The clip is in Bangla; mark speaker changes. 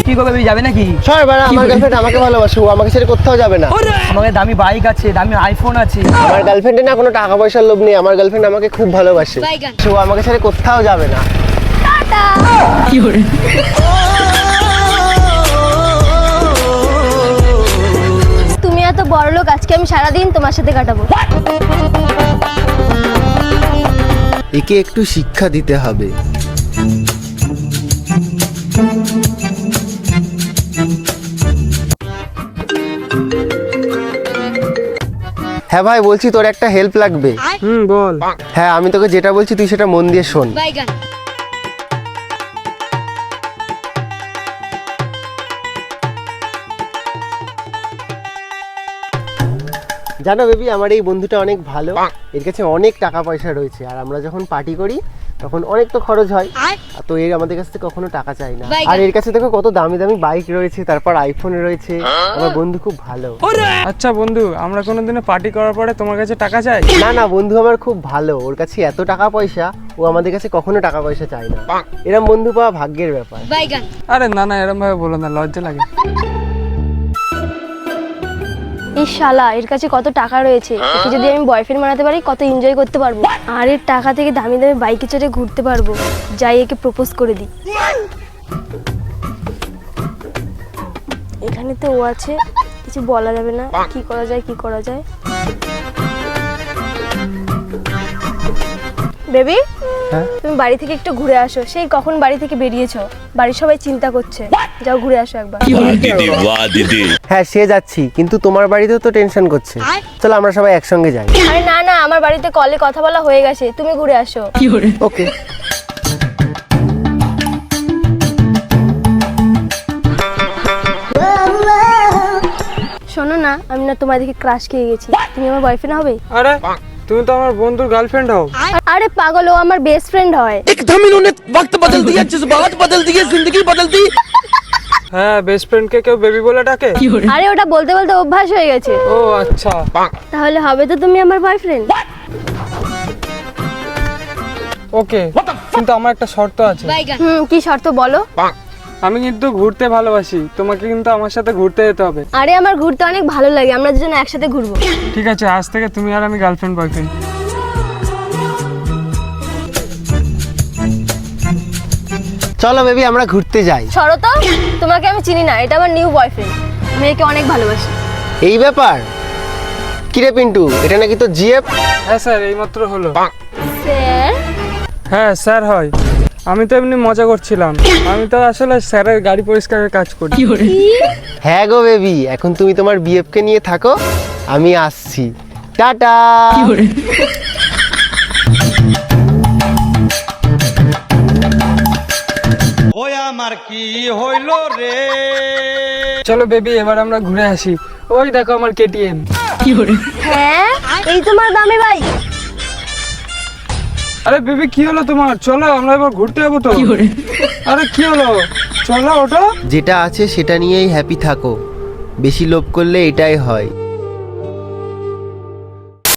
Speaker 1: কি করবে বেবি, যাবে নাকি?
Speaker 2: সর বাড়া, আমার গার্লফ্রেন্ড আমাকে ভালোবাসে, ও আমাকে ছেড়ে কোথাও যাবে না।
Speaker 1: আমাকে দামি বাইক আছে, দামি আইফোন আছে।
Speaker 2: আমার গার্লফ্রেন্ডে না কোনো টাকা পয়সার লোভ নেই, আমার গার্লফ্রেন্ড আমাকে খুব ভালোবাসে, ও আমাকে ছেড়ে কোথাও যাবে না।
Speaker 3: তুমি এত বড় লোক, আজকে আমি সারাদিন তোমার সাথে কাটাবো।
Speaker 2: একে একটু শিক্ষা দিতে হবে। হ্যাঁ ভাই, বলছি তোর একটা হেল্প লাগবে।
Speaker 1: বল।
Speaker 2: হ্যাঁ, আমি তোকে যেটা বলছি তুই সেটা মন দিয়ে শোন। জানো বেবি, আমার এই বন্ধুটা অনেক ভালো, এর কাছে অনেক টাকা পয়সা রয়েছে, আর আমরা যখন পার্টি করি তখন অনেক তো খরচ হয়, তো এর আমাদের কাছ থেকে কখনো টাকা চাই না। আর এর কাছে দেখো কত দামি দামি বাইক রয়েছে, তারপর আইফোন রয়েছে। আমার বন্ধু খুব ভালো।
Speaker 4: আচ্ছা বন্ধু, আমরা কোনোদিনও পার্টি করার পরে তোমার কাছে টাকা চাই?
Speaker 2: না না, বন্ধু আমার খুব ভালো, ওর কাছে এত টাকা পয়সা, ও আমাদের কাছে কখনো টাকা পয়সা চায় না। এরম বন্ধু পাওয়া ভাগ্যের ব্যাপার।
Speaker 4: আরে না না, এরকম ভাবে বলো না, লজ্জা লাগে।
Speaker 3: এই শালা, এর কাছে কত টাকা রয়েছে, একে যদি আমি বয়ফ্রেন্ড বানাতে পারি কত এনজয় করতে পারবো। আর এর টাকা থেকে দামি দামি বাইকে চড়ে ঘুরতে পারবো। যাই একে প্রপোজ করে দিই। এখানে তো ও আছে, কিছু বলা যাবে না, কি করা যায় কি করা যায়। বেবি, তুমি বাড়ি থেকে একটু ঘুরে আসো, সেই কখন বাড়ি থেকে বেরিয়েছো, বাড়ির সবাই চিন্তা করছে, যাও ঘুরে আসো একবার।
Speaker 2: হ্যাঁ সে যাচ্ছি, কিন্তু তোমার বাড়িতেও তো টেনশন করছে, চলো আমরা সবাই একসঙ্গে যাই।
Speaker 3: আরে না না, আমার বাড়িতে কলে কথা বলা হয়ে গেছে, তুমি ঘুরে আসো।
Speaker 2: ওকে।
Speaker 3: শোনো না, আমি না তোমার দিকে ক্রাশ খেয়ে গেছি, তুমি আমার বয়ফ্রেন্ড হবে?
Speaker 4: আরে তুমি তো আমার বন্ধুর গার্লফ্রেন্ড হও।
Speaker 3: আরে পাগল, ও আমার বেস্ট ফ্রেন্ড হয়।
Speaker 1: एकदम इन्होंने वक्त बदल दिया, जज्बात बदल दिए, जिंदगी बदल दी।
Speaker 4: হ্যাঁ, বেস্ট ফ্রেন্ডকে কেউ বেবি বলে ডাকে?
Speaker 3: আরে ওটা বলতে বলতে অভ্যাস হয়ে গেছে।
Speaker 4: ও আচ্ছা।
Speaker 3: তাহলে হবে তো তুমি আমার বয়ফ্রেন্ড?
Speaker 4: ওকে, কিন্তু আমার একটা শর্ত আছে।
Speaker 3: কি শর্ত বলো?
Speaker 4: আমি কিন্তু ঘুরতে ভালোবাসি, তোমাকে কিন্তু আমার সাথে ঘুরতে যেতে হবে।
Speaker 3: আরে আমার ঘুরতে অনেক ভালো লাগে, আমরা দুজন একসাথে ঘুরবো।
Speaker 4: ঠিক আছে, আজ থেকে তুমি আর আমি গার্লফ্রেন্ড বয়ফ্রেন্ড।
Speaker 2: চলো বেবি, আমরা ঘুরতে যাই।
Speaker 3: সরো তো, তোমাকে আমি চিনি না, এটা আমার নিউ বয়ফ্রেন্ড, আমি একে অনেক ভালোবাসি।
Speaker 2: এই ব্যাপার? কিরে পিন্টু, এটা নাকি তো জিএফ?
Speaker 4: হ্যাঁ স্যার, এইমাত্র হলো।
Speaker 3: স্যার?
Speaker 4: হ্যাঁ স্যার হয়। আমি তো এমনি মজা করছিলাম, আমি তো আসলে স্যারের গাড়ি পরিষ্কারের কাজ করি।
Speaker 2: হ্যাঁ গো বেবি, এখন তুমি তোমার বিএফ কে নিয়ে থাকো, আমি আসছি, টাটা।
Speaker 4: চলো বেবি, এবার আমরা ঘুরে আসি। ওই দেখো আমার কেটিএম।
Speaker 3: হ্যাঁ, এই তোমার দামি ভাই।
Speaker 4: আরে বেবি, কি হলো তোমার? চলো আমরা এবার ঘুরতে যাবো তো। আরে কি হলো, চলো ওটা।
Speaker 2: যেটা আছে সেটা নিয়েই হ্যাপি থাকো, বেশি লোভ করলে এটাই হয়।